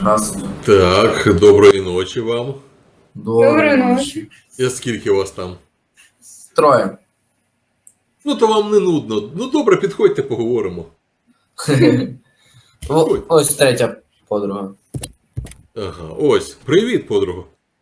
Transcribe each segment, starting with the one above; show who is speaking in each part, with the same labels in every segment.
Speaker 1: Здравствуйте.
Speaker 2: Так, доброї ночі вам.
Speaker 3: Доброї ночі.
Speaker 2: І скільки вас там?
Speaker 1: Троє.
Speaker 2: Ну, то вам не нудно. Ну, добре, підходьте, поговоримо.
Speaker 1: Ось третя подруга.
Speaker 2: Ага, ось. Привіт, подруга.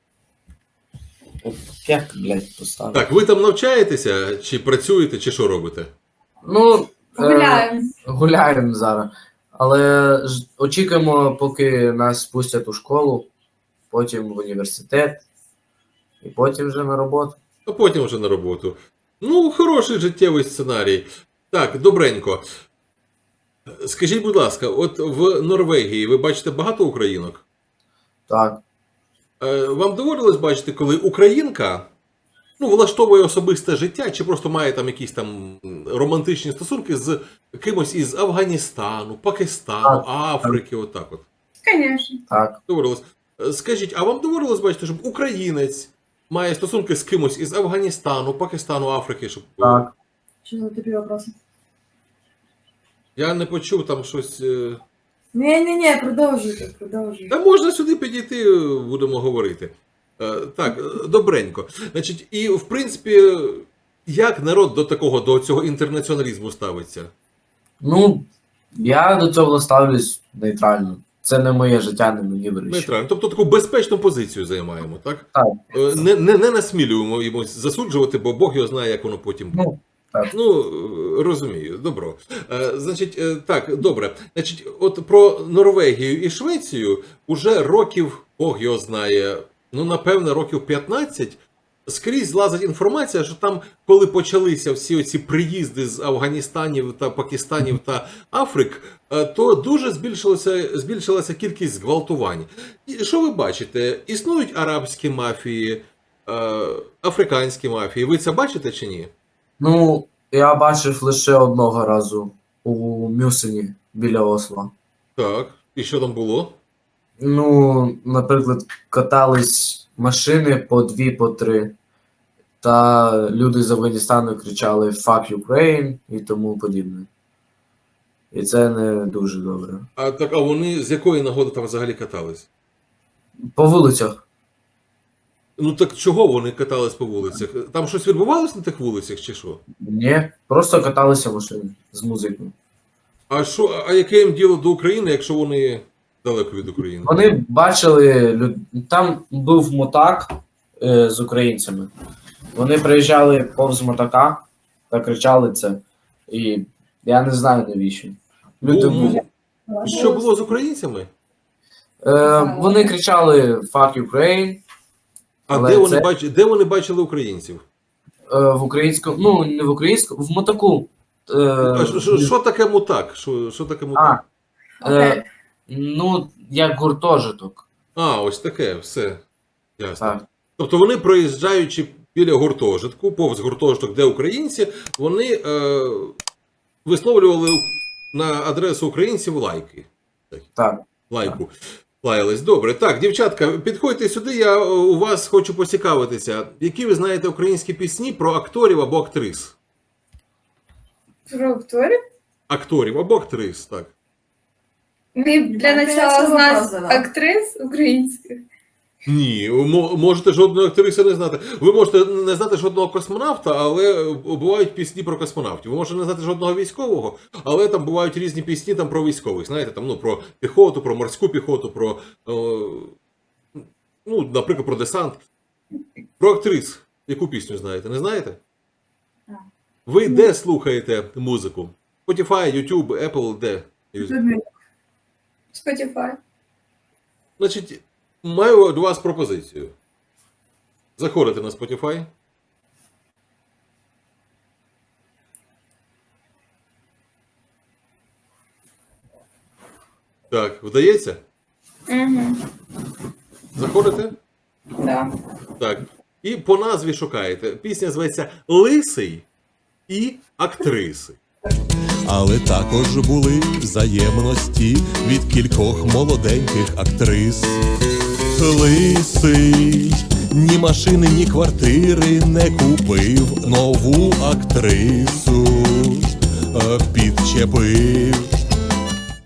Speaker 1: Як, блядь, поставив?
Speaker 2: Так, ви там навчаєтеся, чи працюєте, чи що робите?
Speaker 1: Ну,
Speaker 3: Гуляємо.
Speaker 1: гуляємо зараз. Але очікуємо, поки нас спустять у школу, потім в університет, і потім вже на роботу.
Speaker 2: А потім вже на роботу. Ну, хороший життєвий сценарій. Так, добренько. Скажіть, будь ласка, от в Норвегії ви бачите багато українок?
Speaker 1: Так.
Speaker 2: Вам доводилось бачити, коли українка влаштовує особисте життя, чи просто має там якісь там романтичні стосунки з кимось із Афганістану, Пакистану, Африки, отак от?
Speaker 3: Звісно.
Speaker 1: Так.
Speaker 2: Доводилось. Скажіть, а вам доводилось бачити, щоб українець має стосунки з кимось із Афганістану, Пакистану, Африки, щоб...
Speaker 1: Так.
Speaker 4: Что за тупые вопросы?
Speaker 2: Я не почув там щось...
Speaker 4: Не-не-не, продовжуйте.
Speaker 2: Та можна сюди підійти, будемо говорити. Так, добренько. Значить, і в принципі, як народ до цього інтернаціоналізму ставиться?
Speaker 1: Ну, я до цього ставлюсь нейтрально. Це не моє життя, не мені вирішити.
Speaker 2: Нейтрально. Тобто таку безпечну позицію займаємо, так?
Speaker 1: Так.
Speaker 2: Не насмілюємо йому засуджувати, бо Бог його знає, як воно потім буде.
Speaker 1: Ну, так.
Speaker 2: Ну, розумію, добро. Значить, так, добре. Значить, от про Норвегію і Швецію уже років, Бог його знає, ну, напевно, років 15, скрізь лазить інформація, що там, коли почалися всі оці приїзди з Афганістанів та Пакистанів та Африк, то дуже збільшилася кількість зґвалтувань. І що ви бачите? Існують арабські мафії, африканські мафії. Ви це бачите чи ні?
Speaker 1: Ну, я бачив лише одного разу у Мюсені біля Осло.
Speaker 2: Так. І що там було?
Speaker 1: Ну, наприклад, катались машини по 2, по 3. Та люди з Афганістану кричали «Fuck Ukraine» і тому подібне. І це не дуже добре.
Speaker 2: А вони з якої нагоди там взагалі катались?
Speaker 1: По вулицях.
Speaker 2: Ну так чого вони катались по вулицях? Там щось відбувалось на тих вулицях чи що?
Speaker 1: Ні, просто каталися машини з музикою.
Speaker 2: А яке їм діло до України, якщо вони далеко від України?
Speaker 1: Вони бачили, там був мотак з українцями. Вони приїжджали повз мотака та кричали це. І я не знаю навіщо. Люди
Speaker 2: Що було з українцями?
Speaker 1: вони кричали «Fuck Ukraine».
Speaker 2: А
Speaker 1: Але
Speaker 2: де вони бачили українців?
Speaker 1: В українському, ну не в українському, в мотаку.
Speaker 2: Що таке мутак? Що таке мутак?
Speaker 1: Ну, як гуртожиток.
Speaker 2: Ось таке, все. Ясно.
Speaker 1: Так.
Speaker 2: Тобто вони, проїжджаючи біля гуртожитку, повз гуртожиток, де українці, вони висловлювали на адресу українців лайки.
Speaker 1: Так.
Speaker 2: Лайку. Лаялись. Добре. Так, дівчатка, підходьте сюди, я у вас хочу поцікавитися. Які ви знаєте українські пісні про акторів або актрис?
Speaker 3: Про акторів?
Speaker 2: Акторів або актрис, так.
Speaker 3: Ми для начала з нас актрис українських.
Speaker 2: Ні, можете жодної актриси не знати. Ви можете не знати жодного космонавта, але бувають пісні про космонавтів. Ви можете не знати жодного військового, але там бувають різні пісні там про військових. Знаєте, там, про піхоту, про морську піхоту, про, наприклад, про десант. Про актрис. Яку пісню знаєте? Не знаєте? Ви де слухаєте музику? Spotify, YouTube, Apple, де?
Speaker 3: Spotify.
Speaker 2: Значить, маю до вас пропозицію. Заходите на Spotify. Так, вдається?
Speaker 3: Угу.
Speaker 2: Заходите?
Speaker 3: Да.
Speaker 2: Так. І по назві шукаєте. Пісня зветься «Лисий і актриси».
Speaker 5: Але також були взаємності від кількох молоденьких актрис. Лисий ні машини, ні квартири не купив, нову актрису підчепив.